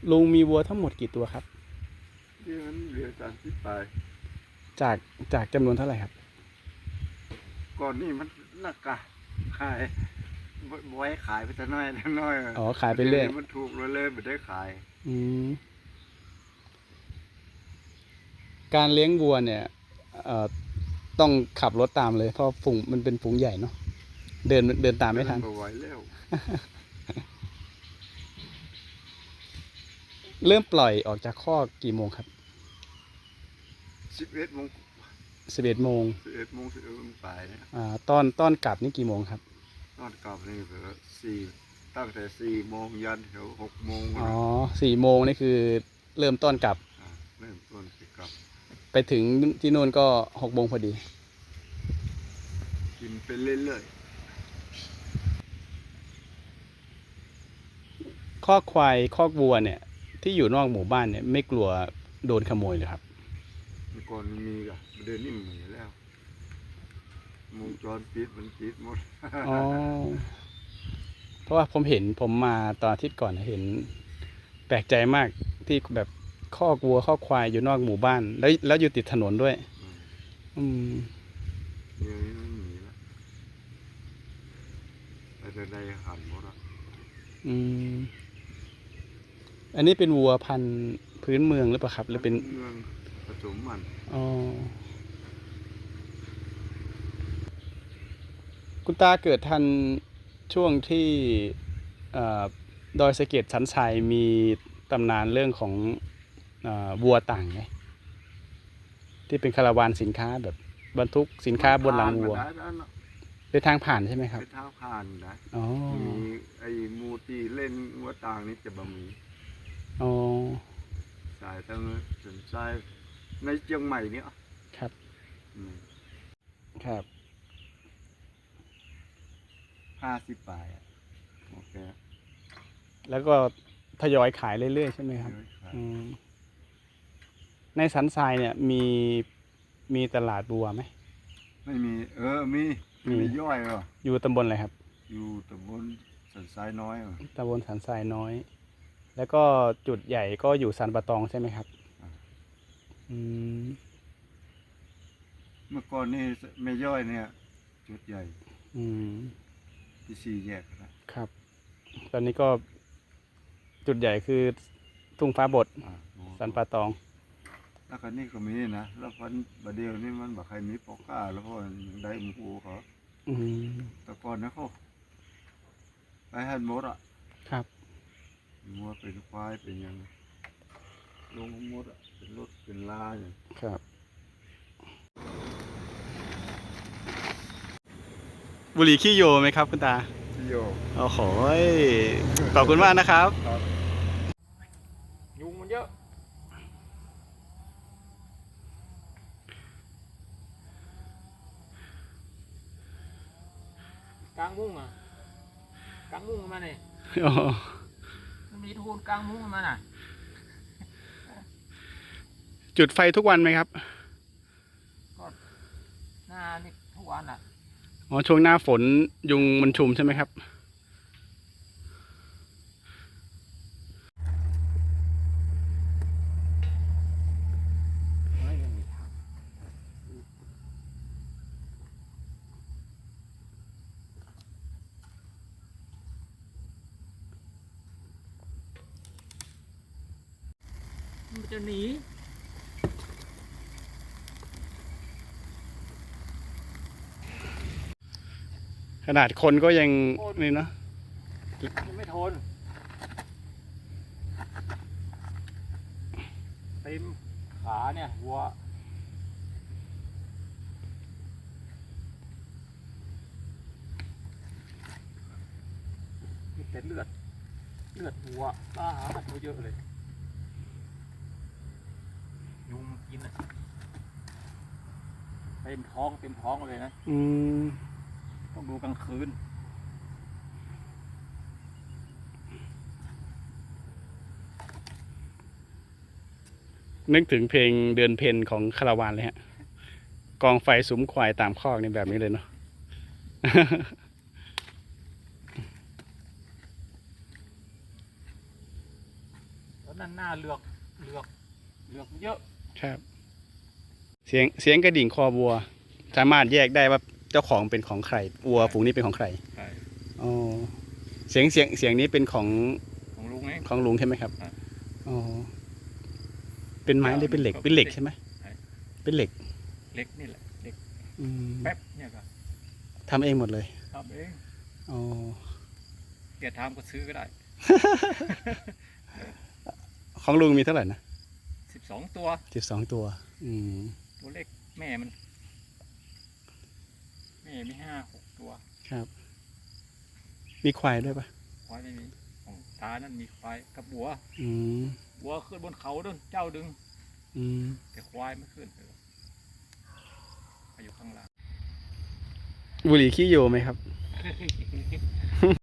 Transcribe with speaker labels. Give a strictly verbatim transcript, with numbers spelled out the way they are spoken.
Speaker 1: ลุงมีวัวทั้งหมดกี่ตัวครับ
Speaker 2: เดือนเหลือสามสิบปลาย
Speaker 1: จากจากจำนวนเท่าไหร่ครับ
Speaker 2: ก่อนนี่มันนักกะขายไว้ขายไปแต่น้อยแต่น้อย
Speaker 1: อ๋อขายไปเรื่อย
Speaker 2: มันถูกเลยเลยไม่ได้ขาย
Speaker 1: อืมการเลี้ยงวัวเนี่ยเอ่อต้องขับรถตามเลยเพราะฝูงมันเป็นฝูงใหญ่เนาะเดินเดินตามไม่ทัน
Speaker 2: ไหวแล้ว
Speaker 1: เริ่มปล่อยออกจากคอกกี่โมงครับ
Speaker 2: สิบเอ็ดโมง
Speaker 1: สิบเอ็ดโมง
Speaker 2: สิบเอ็ดโมงสิบเอ็ดโมงปลายเนี่ย
Speaker 1: อ่าตอนตอนกลับนี่กี่โมงครับ
Speaker 2: ตอนกลับนี่เผื่อสี่ตั้งแต่สี่โมงยันแถวหกโมง
Speaker 1: อ๋อสี่โมงนี่คือเริ่มต้นกลับ
Speaker 2: เริ่มต้นกลับ
Speaker 1: ไปถึงที่นู่นก็หกโมงพอดี
Speaker 2: กินไปเรื่อย
Speaker 1: ๆคอกควายคอกวัวเนี่ยที่อยู่นอกหมู่บ้านเนี่ยไม่กลัวโดนขโมยเลยครับ
Speaker 2: เมื่อก่อนมีกะเดินนี่เหมือนแล้ววงจรปิดมันปิดหมด
Speaker 1: อ๋อเพราะว่าผมเห็นผมมาตอนอาทิตย์ก่อนเห็นแปลกใจมากที่แบบคอกวัวคอกควายอยู่นอกหมู่บ้านแล้วแล้วอยู่ติดถนนด้วยอืม
Speaker 2: เดี๋ยวนี้ไม่มีแล้วแต่ในหันหมดอ่ะ
Speaker 1: อืมอันนี้เป็นวัวพันธุ์พื้นเมืองหรือเปล่าครับหรือเป็น
Speaker 2: เมืองผสมมัน
Speaker 1: อ๋อคุณตาเกิดทันช่วงที่ดอยสะเก็ดสันทรายมีตำนานเรื่องของวัวต่างไหมที่เป็นคาราวานสินค้าแบบบรรทุกสินค้าบนหลังวัวเป็นทางผ่านใช่ไหมครับ
Speaker 2: เป็นทางผ่านนะ
Speaker 1: มี
Speaker 2: ไอ้มูตีเล่นวัวต่างนี่จะบะมี
Speaker 1: อ๋อ
Speaker 2: สายทางสันทรายในเชียงใหม่เนี่ย
Speaker 1: ครับครับ
Speaker 2: ห้าสิบปลายโอเค
Speaker 1: แล้วก็ทยอยขายเรื่อยๆใช่ไหมครับในสันทรายเนี่ยมีมีตลาดบัวไหม
Speaker 2: ไม่มีเออมีมีย่อยเหรอ
Speaker 1: อยู่ตำบลอะไรครับ
Speaker 2: อยู่ตำบลสันทรายน้อย
Speaker 1: ตำบลสันทรายน้อยแล้วก็จุดใหญ่ก็อยู่สันปะตองใช่ไหมครับ
Speaker 2: เมื่อก่อนนี่ไม่ย่อยเนี่ยจุดใหญ่ที่สี่แยก
Speaker 1: นะครับตอนนี้ก็จุดใหญ่คือทุ่งฟ้าบดสันปะตอง
Speaker 2: แล้วก็นี่ก็มีนะแล้วพันบะเดียวนี่มันแบบใครมีปอกก้าแล้วก็ได้หมูเขาแต่ก่อนนะเขาไปหันมดอ่ะ
Speaker 1: ครับ
Speaker 2: มัวเป็นควายเป็นยังลงมดอ่ะเป็นรถเป็นลาอย่าง
Speaker 1: ครับบุหรี่ขี้โยไหมครับคุณตา
Speaker 2: ขี้โย
Speaker 1: โอ้โหขอบคุณมากนะครับ
Speaker 2: ยุงมันเยอะ
Speaker 3: กลางมุ้งอ่ะกลางมุ้งมาเนี่ยมันมีทูนกลางมุ้งมาน่ะ
Speaker 1: จุดไฟทุกวันไหมครับ
Speaker 3: ก็หน้านี่ทุกวันอ่ะ
Speaker 1: อ๋อช่วงหน้าฝนยุงมันชุมใช่ไหมครับ
Speaker 3: มันจะหนี
Speaker 1: ขนาดคนก็ยังนี่เนาะ
Speaker 3: ยังไม่ทนเต็มขาเนี่ยหัวมีแต่เลือดเลือดหัวบ้าหัวเยอะเลยยุงกินอ่ะเต็มท้องเต็มท้องเลยนะ
Speaker 1: อืม
Speaker 3: ต้องดูกลางคืน
Speaker 1: นึกถึงเพลงเดือนเพ็ญของคาราวานเลยฮะกองไฟสุมควายตามคอกในแบบนี้เลยเนาะ
Speaker 3: อนนั้นหน้าเลือกเลือกเลือกเยอะ
Speaker 1: ครับ เสียงเสียงกระดิ่งคอวัว สามารถแยกได้ว่าเจ้าของเป็นของใครวัวฝูงนี้เป็นของใคร
Speaker 3: ใช่
Speaker 1: อ๋อเสียงเสียงเสียงนี้เป็นของ
Speaker 3: ของลุงเอง
Speaker 1: ของลุงใช่ไหมครับ
Speaker 3: ใช่
Speaker 1: อ๋อเป็นไม้หรือเป็นเหล็กเป็นเหล็กใช่ไหม
Speaker 3: ใช่
Speaker 1: เป็นเหล็ก
Speaker 3: เล็กนี่แหละเล็ก
Speaker 1: อืม
Speaker 3: แป๊บเนี่ยก็
Speaker 1: ทำเองหมดเลย
Speaker 3: ทำเอง
Speaker 1: อ๋อ
Speaker 3: เกียรทำก็ซื้อก็ได้
Speaker 1: ของลุงมีเท่าไหร่นะ
Speaker 3: สิบสองตัว
Speaker 1: สิบสองตัว อืม
Speaker 3: ตัวเล็กแม่มัน แม่มีห้าหกตัว
Speaker 1: ครับ มีควายด้วยปะ
Speaker 3: ควายไม่มีของตานั่นมีควายกับบัว
Speaker 1: อืม
Speaker 3: บัวขึ้นบนเขาดึงเจ้าดึง
Speaker 1: อืม
Speaker 3: แต่ควายไม่ขึ้นเลยไปอยู่ข้างล่าง
Speaker 1: บุหรี่ขี้โยไหมครับ